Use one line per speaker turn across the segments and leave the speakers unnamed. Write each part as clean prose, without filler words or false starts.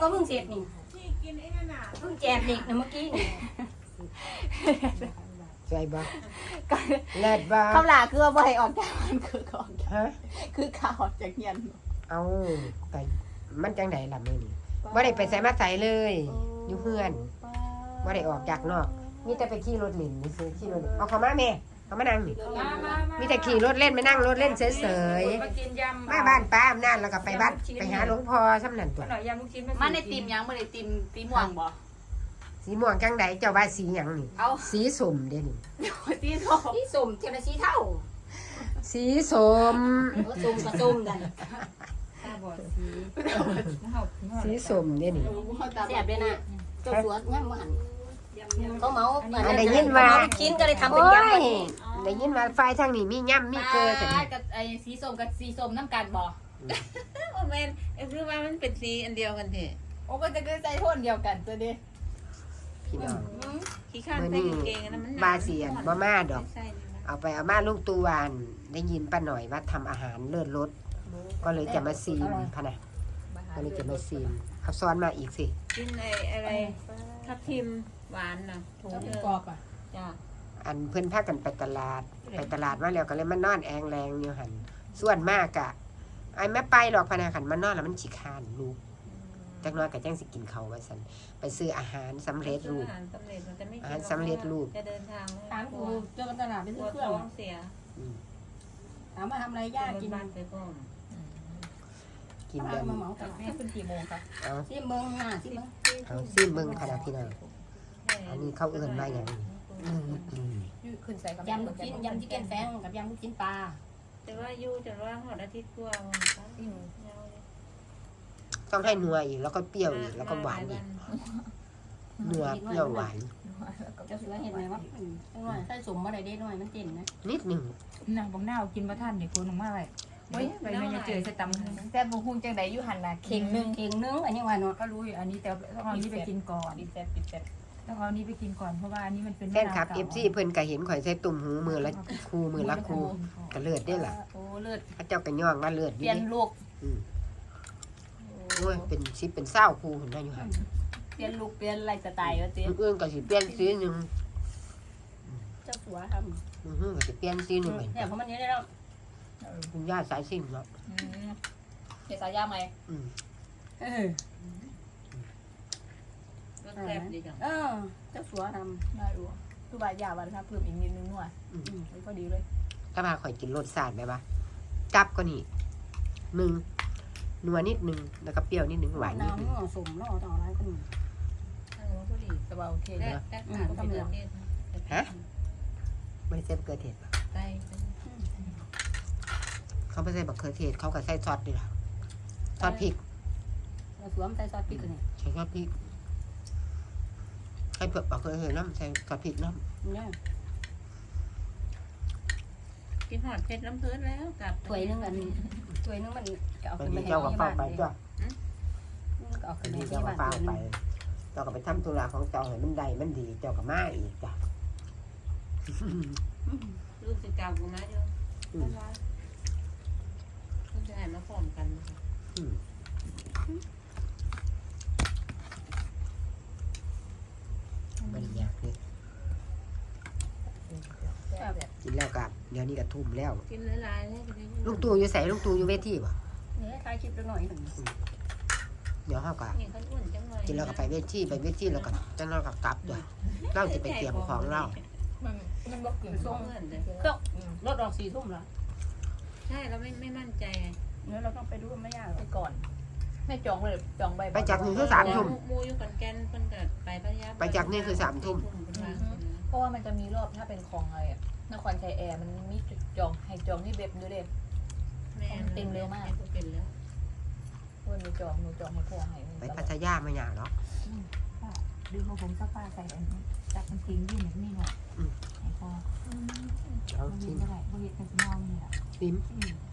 ก็เพิ่งเสร็จนี่เพิ่งแจกเด็กนะเมื่อกี้นี่
ใจบ่เลิศบ่
คำลาคือว่าบ่ให้ออกจากมันคือก่อน
ฮะ
คือข่าวออกจากเฮียน
เอาแต่มันจังไดล่ะมื้อนี้บ่ได้ไปไสมาไสเลยอยู่เฮือนบ่ได้ออกจากนอกมีแต่ไปขี่รถเล่นนี่ซื้อขี่รถเอาเข้ามาแม่เข้ามานั่งนี่มีแต่ขี่รถเล่นไปนั่งรถเล่นเฉย
มากินยำ
ๆมาบ้านป้าอำนาจแล้วก็ไปบ้านไปหาหลวงพ่อซ้ำนั่นตัว
หน่อยยำลูกชิ้น
มันในติมยังบ่ได้ติมตีม่วงบ่
สีม่วงจังไดเจ้าว่าสีหยังนี่
เอา
สีส้มเด้นี่
ตีโต
ที่สุ่มเทียมละสีเท่า
สีส้ม
สุ่มกับสุ่มกัน
ตาบอดสี
สีส้มเด้นี่
แซ่บเลยนะเจ้าสวนงั้นมันเขาเมา
อันได้ยินว่า
ชิ้นก็เลยทำเป็น
โอ้
ยำ
ยได้ยินว่าฝ่ายทางนี้มีย่ำมีเกลือกัน
กับไอ้สีส้มกับสีส้มน้ำกันบ่
โอ้แม่นคือว่ามันเป็นสีอันเดียวกันเถอะ
โอ้ก็จะคือใจโทนเดียวกันตัวเด้
พี่น้อง
ขี้ข้าน
มื้อ
ใส่
นี้
กางเกงนะมัน
บาเสียนบ่มาดอก
ใส่
เอาไปเอามาลุงตูวานได้ยินป้าหน่อยว่าทำอาหารเลิศรสก็เลยจะมาซีมพะนะก็เลยจะมาซีมเอาซ้อนมาอีกสิ
กินอะไรทับทิมหวานน่ะถุง
กรอบอ่ะ
จ้า
อันเพื่อนพากันไปตลาดมาแล้วก็เลยมานอนแองแรงอยู่หันส่วนมากอะไอ้แม่ไปหรอกพะนะขันมานอนแล้วมันขี้คร้านลูกจักหน้อยก็จังสิกินเขาวว่าซั่นไปซื้ออาหารสำเร็จรูป
อาหารสำเร็จมันจะไม่
อาหารสำเร็จรูป
จะเดินทาง
ถามกูเจอกันตลาดไป
ก
ซื้
ลั
อ
ว
เครื่อง
ท้องเสีย
อืม
ถามว่าทำอะไรยากกิน
บ้านไปก่อน
กิน
มา
แบบ
เหมากัน
แม่ขึ้นกี่โมงคะ
เอา
ที่เมืองน่ะที่เมือง
เอาซิมเบิ่งพะนะพี่น้องอันนี้เขาเอื้อนมาอย่างนี้อืม
ขึ้นใส่กับ
ยำลูกชิ้นยำที่แกงแฟงกับยำลูกชิ้นปลา
แต่ว่าอยู่จะว่าหอดอาทิตย์กว่าวันยาวเลย
ต้องให้นัวอีกแล้วก็เปรี้ยวอีกแล้วก็หวานอีกนัวเปรี้ยวหวาน
เจ้าเสือเห็นไหมว่าจังหน่อยใส่สมมาได้หน่อยมันเด่นนะ
นิดหนึ่ง
นางบางหน้ากินมาท่านเด็กคนออกมาเลยเฮ้ยไปไม่เจอใส่ตำ
แต่บ่ฮู้จังได๋อยู่หั่นน่ะเข่งนึง
เข่งนึงอันนี้ว่าเนาะ
ก็รู้อยู่อันนี้แต่ต้องเอานี้ไปกินก่อน
ปิดแซ่บปิดแซ่บ
ต้องเอานี้ไปกินก่อนเพราะว่าอันนี้มันเป็น
แฟนคลับ FC เพิ่นก็เห็นข่อยใส่ตุ่มหูมือละคูมือละคูก็เลือดได้ล่ะ
โอ้เลิศ
พระเจ้าก็ย่องว่าเลือด
เป
ดี
ลี่ยนลูก
อืมโอ้ยเป็นสิเป็นเศร้าคูเห็นได้อยู่หั่น
เปลี่ยนลูกเปลี่ยนไลฟ์สไตล์ว่าติ
มื้ออื่นก็สิเปลี่ยนสีหนึง
เจ้าสัวท
มื้ออื่นก็สิเปลี่ยนสีหนึง
ำ
เหมือน
เนี่ยเพราะมันนี้ได้แล้ว
คุณย่าสายสิ่งเนาะ
เฮ็ดสายยาไหม
อืม
เออ
ก็แซ่บดีจัง
เจ้าสัวท
ได้รู้คือว่ายาวันครับเพิ่มอีกนิดนึงหน่อยพอดีเลย
ถ้ามาข่อยกินรสชาติแบบว่าจับก็นี่หนึ่งนัวนิดนึงแล้วก็เปรี้ยวนิดนึงหวาน
ำ
นิดนึง
น้ำสมแล้วต่ออะไรก็มี
พอดีสบายโอเค
และและขาดไปเดือนเดียว
ไม่ได้ใส่มะเขือเทศหรอก
ใส่
เขาไม่ใส่มะเขือเทศเขาก็ใส่ซอสด้วยล่ะซอสพริก
เจ้าสัวมันใส่ซอสพริกเลย
ใส่ซอสพริกให้เผือกมะเขือเทศน้ำใส่ซอสพริกน้
เนี่ย
กินหอดเผ็ดน้ำเพื้นแล้วกับ
ถ้วยนึงมันจะเอา
ำบา
ขึ้
ง
นไป
ที
ให้
เจ้าก็
ที่
เฝ้า
บ้าน
ไป
เลย
จ้ะ
เอา
บา
ขึ้น
ง
ไป
ที
ที่
เจ้าก็
บ้าน
เฝ้า
เลย
ไปเจ้าก็ไปทำธุระของเจ้าให้มันได้มันดีเจ้าก็มาอีกจ้ะ
ลูกสิเก่ากูมาเดียวลูกจะให้มาพร้อมกัน
อืมไม่ได้ยากเลยกินแล้วกับเดี๋ยวนี้ก็ทุ่มแล้ว
กินหลายๆเลย
ลุงตู่อยู่ใส่ลุงตู่อยู่เวทีป่ะ
เนี่ยถ่ายคลิปหน่อย
เดี๋ยวเขาก็
นี่เขาอ้วนจังเลย
กินแล้วก็ไปเวทีแล้วก็จะนอนกับกลับด้วยเราจะไปเตรียมของเรา
มันบ่กึ่ง
ส่
ส่
ง
ง
เงินเลย
รถออก4 ทุ่มแล้ว
ใช่เราไม่มั่นใจ
เนี่ยเราต้องไปดูไม่ยากหร
ไป
อก
ก่อนให้จองเลยจองใบ
ไปจากนี่คือ3 ทุ่ม
มูอยู่กันแกนเพิ่นก็ไปพัทยา
ไปจากนี่คือ3 ทุ่ม
เพราะว่ามันจะมีรอบถ้าเป็นของอะไรนครชัยแอร์มันมีจุดจองให้จองที่เว็บด้วยเด้
เป็นแล้ว
วันนี้จองหนูจองให้พ่อให้
ไปพัทยาไม่ยากหรอก
ดูของผมสักป้าใส่อันนี้จับมันทิ้งยื่นแบบนี้หน่อยไอ้พอ
เอา
มันมี
ชิม
เท่าไหร่บริเวณกันมองนี่แหละ
ชิม
อืม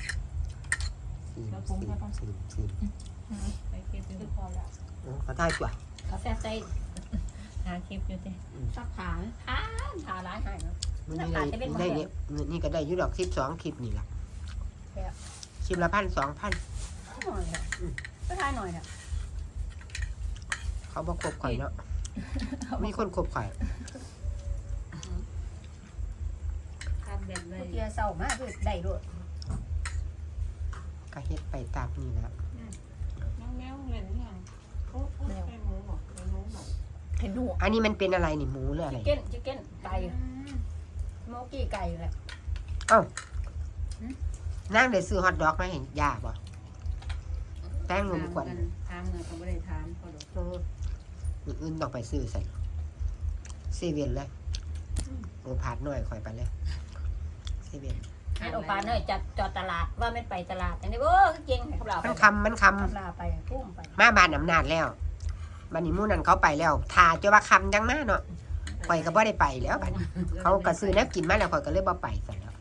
ไปคลิปอยู่
คือพอแล้ว
เขาได้กว่า
กาแฟใส่
หาคลิปอยู่สิ
ซักขาร้ายหายเนาะ
มันได้เนี่ยนี่ก็ได้ยุดอก12 คลิปนี่แหละคลิปละ1,000 2,000
หน่อยค่ะก็ทายหน่อยค่ะ
เขาบ่คบข่อยเนาะมีคนคบข่อย
ทำแบบไหน
เกียเศร้ามากคือได้ด้วย
ก็เฮ็ดไปตามนี่ละ
น้องแมวเล่นยังโอ้ไปหมูบอกไปหมูบอก
เห็นหนู
อันนี้มันเป็นอะไรนี่หมูหรืออะไร
ชิคเก้นไก่โมกี้ไก่แหละ
นั่งได้ซื้อฮอทดอกมาให้ย่าบ่แป้งนมขวัญ
ถามเงินเขาไม่ได้ถามเขาดอก
อื่นต้องไปซื้อใส่เซเว่นเลยโอ้ผาดหน่อยข่อยไปเลยเซเว่น
ให้โอปาเนยจัดจอดตลาดว่าไม่ไปตลาดแต่นี่โอ้เก่งเขาเรา
มันคำ
ลาไปพุ่มไป
มาบ้านอำนาจแล้วบัดนี้หมู่นั้นเขาไปแล้วท่าจะว่าคำจังมาเนาะข่อยก็บ่ได้ไปแล้วบัดนี้เขาก็ซื้อแนวกินมาแล้วข่อยก็เลยบ่ไปซะแล้ว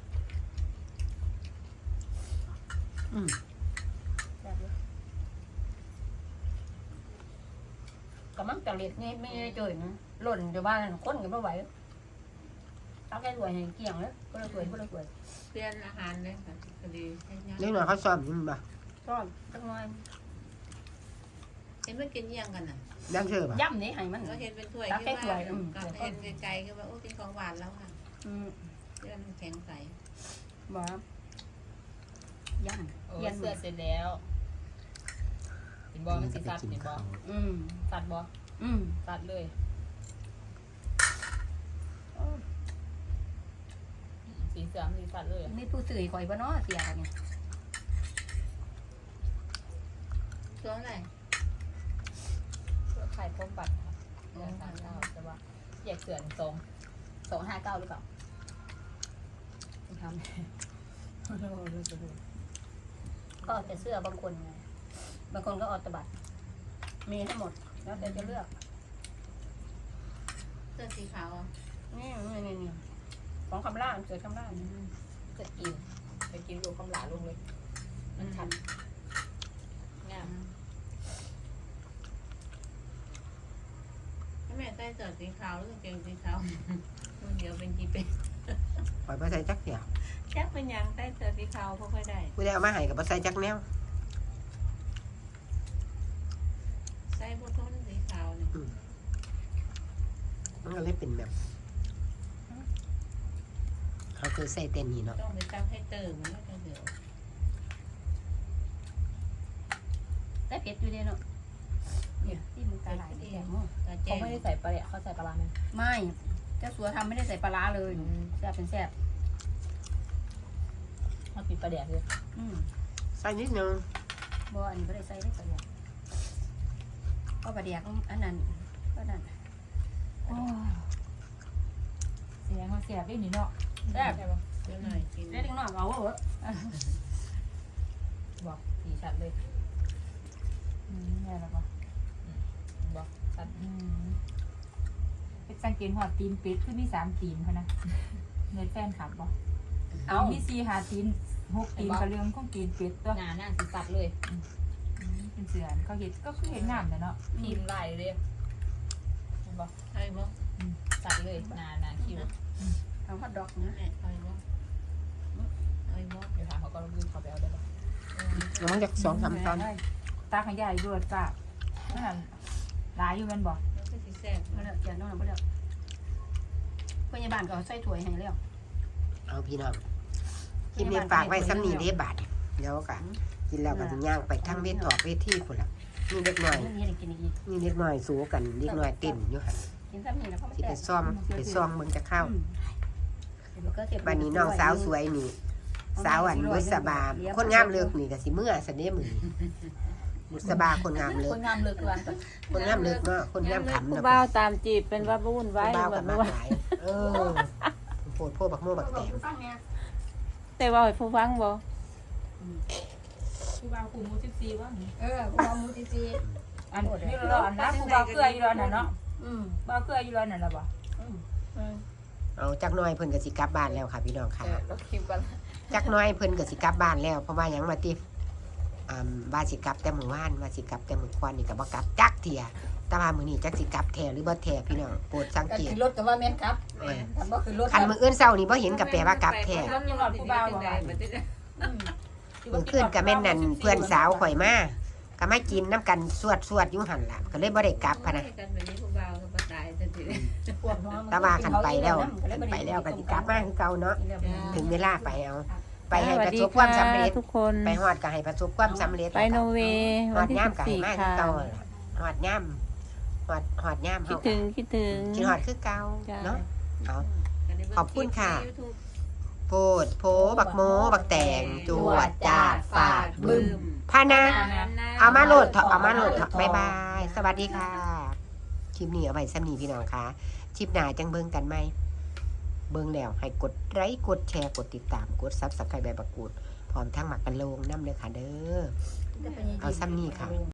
ก็มั่งตะเล็ดนี่ไม่ได้เจอนะหล่นอยู่บ้านคนก็ไม่ไหวเอาแค่สวยให้เกี่ยงแล้วก็เลยสวยก็เลยสวย
เปลี่ยนอาหารเลยค่ะพอดีให้ยัง
เล็กน้อยเขาซ้อมอยู่บ่
ก็ตั้งน้อย
เห็นมันกินยังกันน่ะ
ยังเชื่อบ่
ย่ำนี่ให้มัน
ก็เห็นเป็นถ้วย
ตัก
ที่
แค่ถ้ว
ว่าย
อืม
ก็เห็นไกลๆก็ว่าโอ้กินของหวานแล้วค่ะ
อืม
เรื่องมันแข็งใส
บอกย่
โอ้
ำเย็น
เสื้อเสร็จแล้วเห็นบอมันสีสัดเห็นบอ
อืม
สัดบอ
อืม
สัดเลยสีเสือมนสีสัดเลยอะ
มีผู้สื่อคอยบ่เนาะเสียกันเนี่ย
ช่วงไหน
เสื้อไข่พรมบัตรค่ะเสื้อ39ใช่ปะแยกเสือ259หรือเปล่าทำ
ก็แต่เสื้อบางคนไงบางคนก็ออตบัตมีให้หมดแล้วแต่จะเลือก
เสื้อสีขาวอ่ะ
นี่ของคำล่าเกิดคำล่า
จะกินไปกินดูคำหลาลงเลย มันชันงาม
แม่ใส่เสื้อสีขาวหรือกางเกงสีขาวมันเดียวเป็นกี่เป็น
ข่อยบ่ใส่จักเดียว
แจ็คเป็นยังใส่เสื้อสีขาวพอค่อยได้
ผู้ใดเอามาให้ก็บ่ใส่จักแนว
ใส่พวกต้นสีขาวเนี่ย
มันก็เลยเป็นแบบเขาคือใส่เต้นนี่เนาะ
ต้องไปตั้งให้เติมมันก็จะเดี๋ยว
ได้เผ็ดอยู่ดีเนาะเนี่ยที่มันตาไหลแก่หม้อ
ตาแจ้
เขา
ง
ไม่ได้ใส่ปลาเนี่ยเขาใส่ปลาร้าไหม
ไม่เจ้าสัวทำไม่ได้ใส่ปลาร้าเลยแซ่บเป็นแซ่บ
เขาปิดปลาแดกเลย
ใส่นิดนึง
บ่อันนี้ไม่ได้ใส่ได้ปลาแดกก็ปลาแดกอันนั้นก็นั่น
เสียงเขาเสียบได้หนิเนาะ
แซ่บ
ใช่ปะ
เดี๋ยวหน่อยกิน
ได้ถึงหน่อยเอาเหรอ
บอกสีชัดเลย
แม่แล้วปะ
บอกชัด
เป็นสังเกตหัวตีนเป็ดคือมี3ตีนเขานะเงินแฟนขับบ่
เอา
มี4 5ตีน6ตีนก็เรื่องของตีนเป็ดตัว
หนาสีสัดเลย
เป็นเสือนเขาเห็ดก็คือเห็ดงามแต่เนาะ
ทีมลายเลยบอก
ไอ้บ่
สัดเลยหนาคิว
ทำฮอทดอกนะ
ไอ้บ่ไอ้บ่
เดี๋ยวหาเขาก็ลืมเขาไปเอาได้ปะ
แล้วมันจาก2-3 ตอน
ตาขยายรวดจ้ะนั่นน่ะหลายอยู่แมันบ่
แล้วก็สีแซ่บ
มาแล้วเจ้าน้องมาแล้วพยาบาลก็ใส่ถ้วยให้แล้ว
เอาพี่น้องคลิปนี้ฝากไว้ซ้ำนี้เด้บาทเดี๋ยวก็กินแล้วก็สิย่างไปทางเวทออกเวทีพุ่นล่ะนี่เด็กน้อย
นี่ได้กินอีก
นี่เด็กน้อยสู้กันเด็กน้อยเต้นอยู่หั่น
กินซ้ำนี่แล้วก็ไม่
สิ
แซ่
ไป
บ
ซ่อมเบิ่งจะเข้า
ก็เก็บ
บัดนี้น้องสาวสวยนี่ สาวอันบุษบาคนงามเลิกนี่ก็สิเมื่อซะเด้มื้อนี้บุษบาคนงามเลิ
ค
ก
นงามเลยคือวันก่อน
คนงามเลิกเนาะคนงามขำ
ผู้
เนาะ
บ่าวตามจีบเป็นว่าวุ่นวาย
บ้าว
แบ
กับบ มา
ว่า
หลายโพดพวกบักโม่บักแตง
แต่ว่าให้ผู้ฟังบ่
ผู้บ่าวคู่มู14ว่า
คุณเอามูจี
อันนี้เราอันนะผู้บ่าวเกลืออยู่แล้วน่ะเนาะ
ๆ
บ่าวเกลืออยู่แล้วน่ะล่ะบ่
เอาจักหน่อยเพิ่นก็สิกลับบ้านแล้วค่ะพี่น้องค่ะ
เราคิวกัน
จักหน้อยเพิ่นก็สิกลับบ้านแล้วเพราะว่าหยังว่าติว่าสิกลับแต่มื้อวานว่าสิกลับแต่มื้อก่อนนี่ก็บ่กลับจักเที่ยแต่ว่ามื้อนี้จักสิกลับแท้หรือบ่แท้พี่น้องโปรดสัง
ก็
เกต
คือรถกับว่าแม่นครับทำก็คือรถ
คันมื้ออื่นเช้านี่บ่เห็นก็แปลว่ากลับแท้
แล้วยังรอดผู้บ่าวบ่ว่า
มื้อคืนก็แม่นนั่นเพื่อนสาวข่อยมาก็มากินน้ำกันสวดอยู่หั่นล่ะก็เลยบ่ได้กลับพะนะ
กันแบบนี้ผู้บ่าวก็บ่ตายจังซี่
ปวดหัว
แต่ว่าคันไปแล้วก็สิกลับมาคือเก่าเนาะถึงเวลาไปเอา ไปให้ประสบความสำเร็จ
ทุกคน
ไปฮอดก็ให้ประสบความสำเร็จ
ไปโนเวย์
ฮ
วั
อน ด
ที่
ย่ามก็ให้มา
14
คือ
ค่ะ
เก่าล่ะฮอดย่ามฮอดย่าม
คิ
เฮา
ดถึงคิดถึง
คิดฮอดคือเก่า
จ้ะ
เนาะเอา ขอบคุณค่ะ โพดโพบักโมบักแตงจวดจาดฟาดบึ้มพานะเอามาโหลดเถอะเอามาโหลดเถอะบ๊ายบาย สวัสดีค่ะคลิปนี้เอาไว้ซ้ำนี้พี่น้องค่ะคลิปหน้าจังเบิ่งกันไหมเบิ่งแล้วให้กดไลค์กดแชร์กดติดตามกด Subscribe ใบประกูดพร้อมทั้งหมักกันโลงน้ำเลยค่ะเด้อ เอาซ้ำนี่ค่ะ